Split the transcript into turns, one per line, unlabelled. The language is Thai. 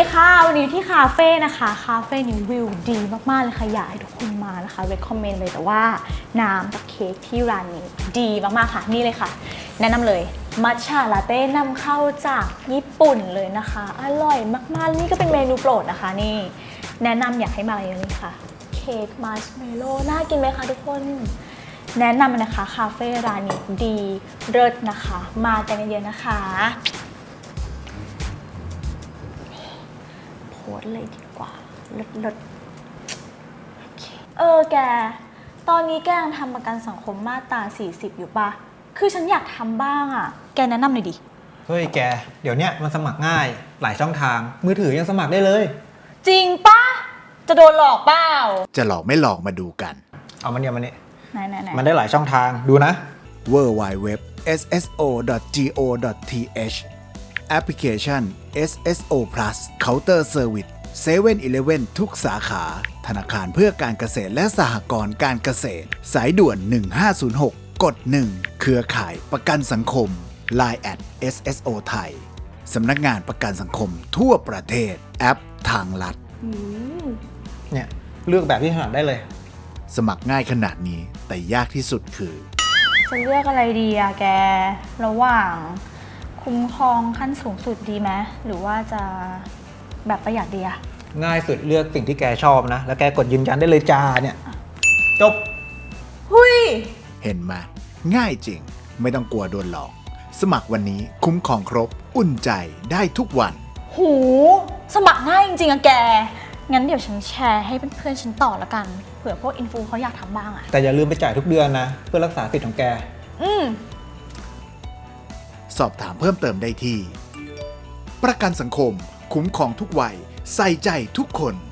ค่ะวันนี้ที่คาเฟ่นะคะคาเฟ่นี้วิวดีมากๆเลยค่ะอยากให้ทุกคนมานะคะ recommend เลยแต่ว่าน้ำกับเค้กที่ร้านนี้ดีมากๆค่ะนี่เลยค่ะแนะนำเลยมัทฉะลาเต้นำเข้าจากญี่ปุ่นเลยนะคะอร่อยมากๆนี่ก็เป็นเมนูโปรดนะคะนี่แนะนำอยากให้มาเลยค่ะเค้กมัชเมลโล่น่ากินไหมคะทุกคนแนะนำนะคะคาเฟ่ร้านนี้ดีเลิศนะคะมากันเยอะๆนะคะโพสเลยดีกว่าเลิศโอเคแกตอนนี้แกยังทำประกันสังคมมาตรา40อยู่ปะคือฉันอยากทำบ้างอ่ะแกแนะนำหน่อยดิ
เฮ้ยแกเดี๋ยวเนี้ยมันสมัครง่ายหลายช่องทางมือถือยังสมัครได้เลย
จริงปะจะโดนหลอกเปล่า
จะหลอกไม่หลอกมาดูกัน
เอามันเนี่ยมันนี่
ไหน
มันได้หลายช่องทางดูนะ
www.sso.go.th แอปพลิเคชัน SSO Plus Counter Service 7-Eleven ทุกสาขาธนาคารเพื่อการเกษตรและสหกรณ์การเกษตรสายด่วน1506กด1เครือข่ายประกันสังคม Line @SSO ไทยสำนักงานประกันสังคมทั่วประเทศแอปทางลัด
เนี่ยเลือกแบบที่ถนัดได้เลย
สมัครง่ายขนาดนี้แต่ยากที่สุดคือ
จะเลือกอะไรดีอะแกระหว่างคุ้มครองขั้นสูงสุดดีไหมหรือว่าจะแบบประหยัดดีอะ
ง่ายสุดเลือกสิ่งที่แกชอบนะแล้วแกกดยืนยันได้เลยจ้าเนี่ยจบ
หุย
เห็นไหมง่ายจริงไม่ต้องกลัวโดนหลอกสมัครวันนี้คุ้มครองครบอุ่นใจได้ทุกวัน
หูสมัครง่ายจริงๆอะแกงั้นเดี๋ยวฉันแชร์ให้เพื่อนๆฉันต่อละกันเผื่อพวกอินฟูเขาอยากทำบ้างอะ
แต่อย่าลืมไปจ่ายทุกเดือนนะเพื่อรักษาสิทธิ์ของแก
สอบถามเพิ่มเติมได้ที่ประกันสังคมคุ้มครองทุกวัยใส่ใจทุกคน